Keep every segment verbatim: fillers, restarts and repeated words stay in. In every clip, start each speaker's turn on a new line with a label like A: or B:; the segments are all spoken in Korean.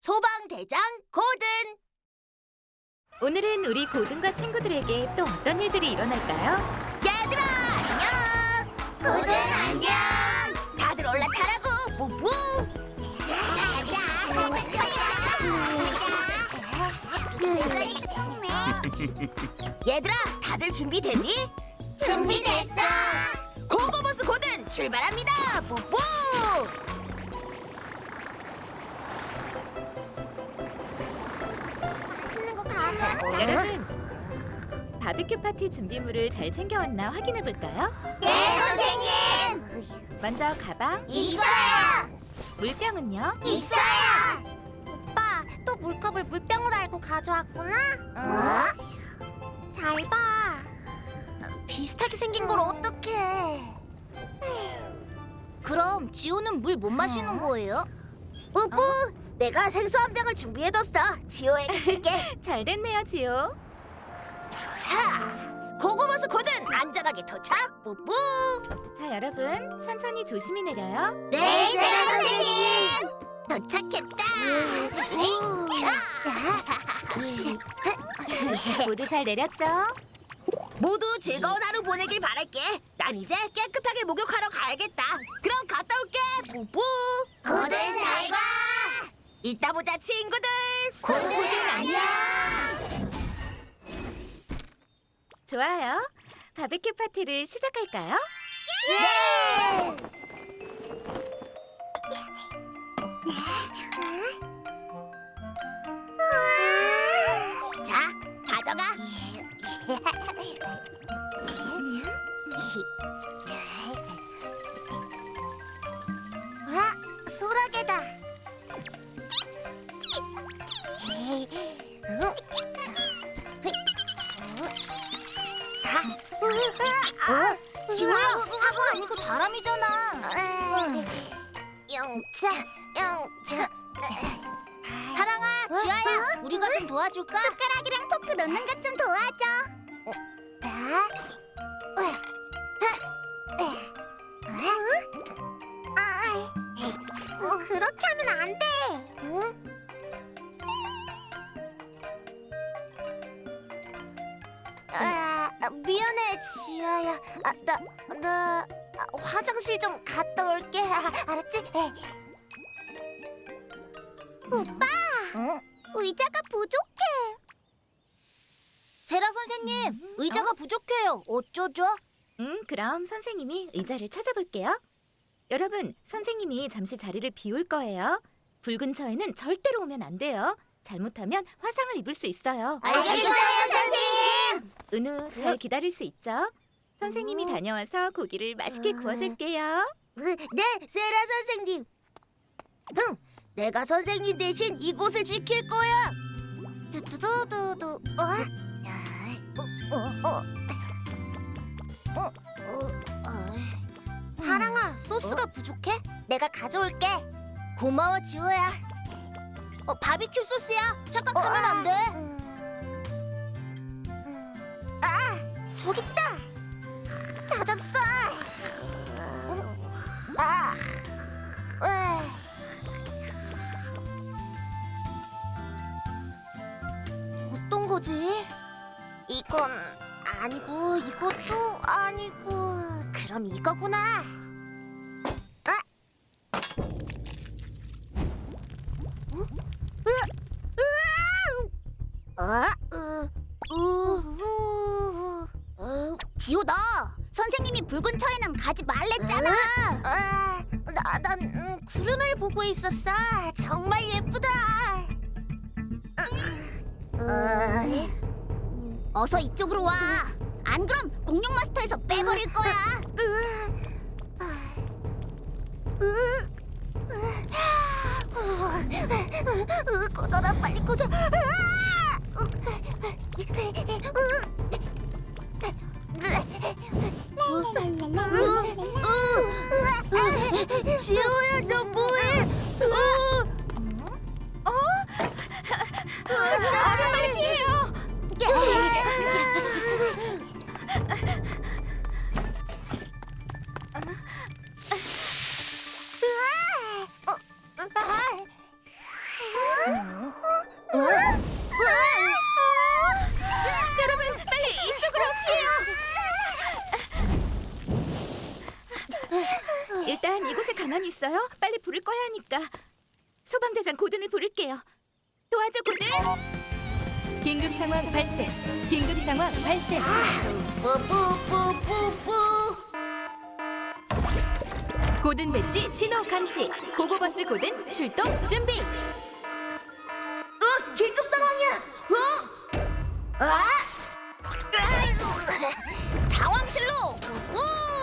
A: 소방대장 고든.
B: 오늘은 우리 고든과 친구들에게 또 어떤 일들이 일어날까요?
A: 얘들아 안녕.
C: 고든 안녕.
A: 다들 올라타라고. 뿌뿌. 얘들아 다들 준비됐니?
C: 준비됐어.
A: 고고버스 고든 출발합니다. 뿌뿌.
C: 맛있는 거 가져.
B: 여러분, 바비큐 파티 준비물을 잘 챙겨왔나 확인해 볼까요?
C: 네, 선생님.
B: 먼저 가방,
C: 있어요.
B: 물병은요?
C: 있어요. 오빠, 또 물컵을 물병으로 알고 가져왔구나. 어? 잘 봐. 비슷하게 생긴 걸 어떡해. 그럼 지호는 물 못 마시는 거예요?
A: 뿌뿌. 내가 생수 한 병을 준비해뒀어. 지호에게 줄게.
B: 잘 됐네요, 지호.
A: 자, 고고버스 고든 안전하게 도착. 뿌뿌.
B: 자, 여러분, 천천히 조심히 내려요.
C: 네, 세라 선생님. 도착했다.
B: 모두 잘 내렸죠?
A: 모두 즐거운 하루 보내길 바랄게. 난 이제 깨끗하게 목욕하러 가야겠다. 그럼 갔다 올게. 뿌뿌.
C: 고든 잘 가.
A: 이따 보자 친구들.
C: 고든 안녕.
B: 좋아요. 바비큐 파티를 시작할까요?
C: 예!
A: 자, 가져가.
C: 와, 소라게다. 어? 지호야, 사과 아니고 다람이잖아. 영차, 영차. 사랑아, 지아야, 우리가 좀 도와줄까? 숟가락이랑 포크 넣는 것 좀 도와줘. 그렇게 하면 안 돼. 응? 아, 미안해, 지아야. 아, 나, 나 화장실 좀 갔다 올게. 아, 알았지? 오빠,
A: 응?
C: 의자가 부족해. 세라 선생님, 의자가 부족해요. 어쩌죠?
B: 음, 그럼 선생님이 의자를 찾아볼게요. 여러분, 선생님이 잠시 자리를 비울 거예요. 불 근처에는 절대로 오면 안 돼요. 잘못하면 화상을 입을 수 있어요.
C: 알겠어요, 선생님.
B: 은우, 잘 기다릴 수 있죠? 선생님이
A: 음.
B: 다녀와서 고기를 맛있게
A: 음.
B: 구워줄게요.
A: 네, 세라 선생님. 흥, 내가 선생님 대신 이곳을 지킬 거야.
C: 두두두두두. 어?
A: 어, 어, 어, 어, 어.
C: 하랑아, 소스가 부족해? 내가 가져올게. 고마워, 지호야. 어, 바비큐 소스야. 착각하면 안 돼. 아, 저기 있다. 찾았어. 아, 으. 어떤 거지? 이건 아니고 이것도 아니고 그럼 이거구나. 아, 어? 으, 으아! 어? 으, 우, 우. 지호, 너 선생님이 붉은 터에는 가지 말랬잖아. 아, 나, 난 음, 구름을 보고 있었어. 정말 예쁘다. 어, 어서 이쪽으로 와. 안 그럼 공룡 마스터에서 빼버릴 거야. 꺼져라, 빨리 꺼져.
A: 지호야, 너 뭐해? 어,
B: 어? 어서 빨리 피해요.
C: 으아! 어, 으아!
B: 위험하니까 소방대장 고든을 부를게요. 도와줘, 고든!
D: 긴급 상황 발생. 긴급 상황 발생.
C: 뿌뿌뿌뿌뿌.
D: 고든 배지 신호 감지. 고고버스 고든 출동 준비.
A: 어, 긴급 상황이야. 어? 아! 아이고, 상황실로 꾹.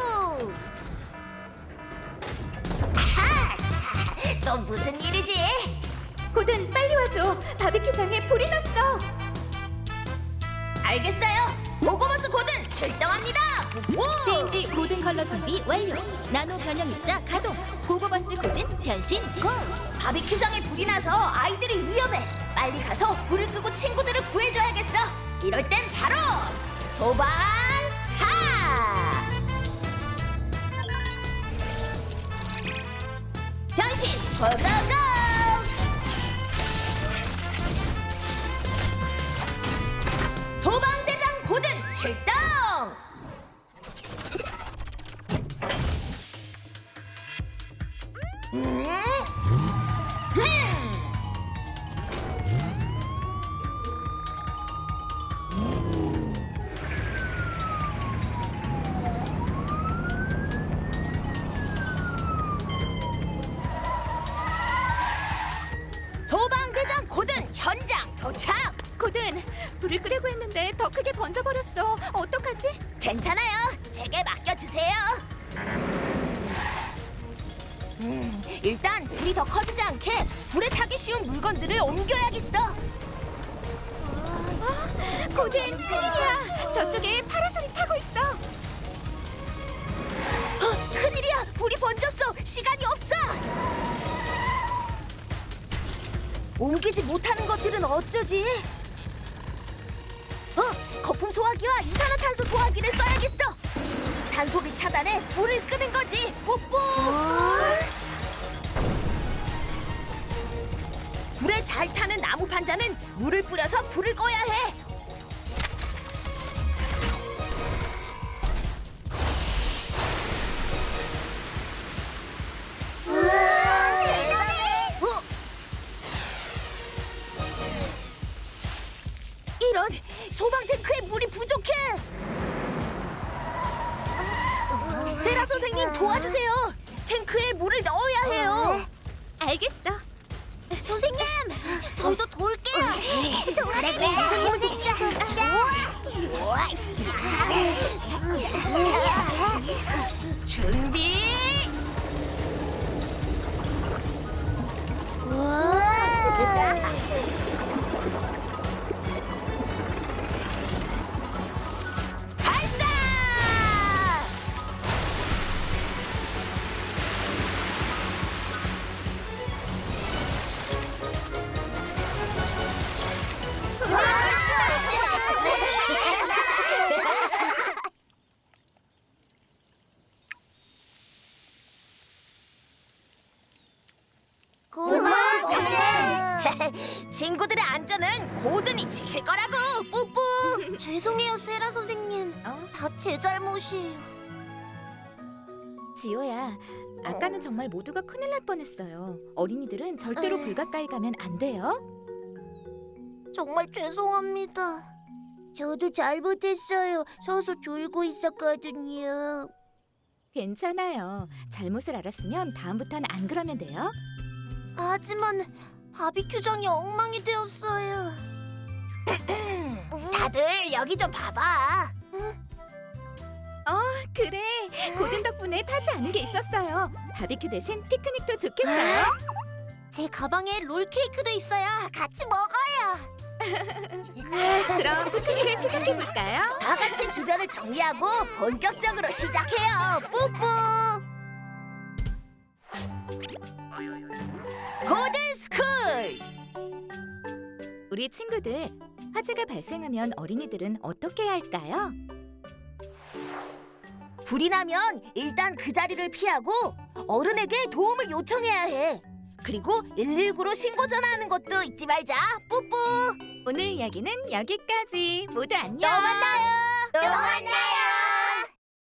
A: 아하, 자, 또 무슨 일이지?
B: 고든, 빨리 와줘. 바비큐장에 불이 났어.
A: 알겠어요. 보고버스 고든 출동합니다. 꾹.
D: 체인지 고든 컬러 준비 완료. 나노 변형 입자 가동. 고고버스 고든 변신 고.
A: 바비큐장에 불이 나서 아이들이 위험해. 빨리 가서 불을 끄고 친구들을 구해줘야겠어. 이럴 땐 바로 소방차. 변신 고고고. 소방대장 고든 출동. 음? 음. 소방대장 고든 현장 도착.
B: 고든, 불을 끄려고 했는데 더 크게 번져버렸어. 어떡하지?
A: 괜찮아요. 제게 맡겨주세요. 음, 일단 불이 더 커지지 않게 불에 타기 쉬운 물건들을 옮겨야겠어.
B: 어, 고든, 큰일이야. 저쪽에 파라솔이 타고 있어.
A: 어, 큰일이야. 불이 번졌어. 시간이 없어. 옮기지 못하는 것들은 어쩌지? 어, 거품 소화기와 이산화탄소 소화기를 써야겠어. 잔소리 차단에 불을 끄는 거지. 뽀뽀. 불에 잘 타는 나무 판자는 물을 뿌려서 불을 꺼야 해.
C: 우와, 대단해.
A: 어? 이런, 소방 탱크에 물이 부족해. 세라 선생님 도와주세요. 탱크에 물을 넣어야 해요.
B: 알겠어.
C: 선생님, 저희도 도울게요. 그래, 그래, 선생님 진짜.
A: 준비. 발사!
C: 고마워.
A: 친구들의 안전은 고든이 지킬 거라고. 뿌뿌.
C: 죄송해요, 세라 선생님.
B: 어?
C: 다 제 잘못이에요.
B: 지호야, 아까는 정말 모두가 큰일 날 뻔했어요. 어린이들은 절대로 불 가까이 가면 안 돼요.
C: 정말 죄송합니다.
A: 저도 잘못했어요. 서서 졸고 있었거든요.
B: 괜찮아요. 잘못을 알았으면 다음부터는 안 그러면 돼요.
C: 하지만 바비큐장이 엉망이 되었어요.
A: 다들 여기 좀 봐봐.
B: 어, 그래. 고든 덕분에 타지 않은 게 있었어요. 바비큐 대신 피크닉도 좋겠어요.
C: 제 가방에 롤케이크도 있어요. 같이 먹어요.
B: 그럼 피크닉을 시작해 볼까요?
A: 다 같이 주변을 정리하고 본격적으로 시작해요. 뿌뿌. 고든 스쿨.
B: 우리 친구들, 화재가 발생하면 어린이들은 어떻게 해야 할까요?
A: 불이 나면 일단 그 자리를 피하고 어른에게 도움을 요청해야 해. 그리고 일일구로 신고 전화하는 것도 잊지 말자. 뿌뿌.
B: 오늘 이야기는 여기까지. 모두 안녕.
A: 또 만나요.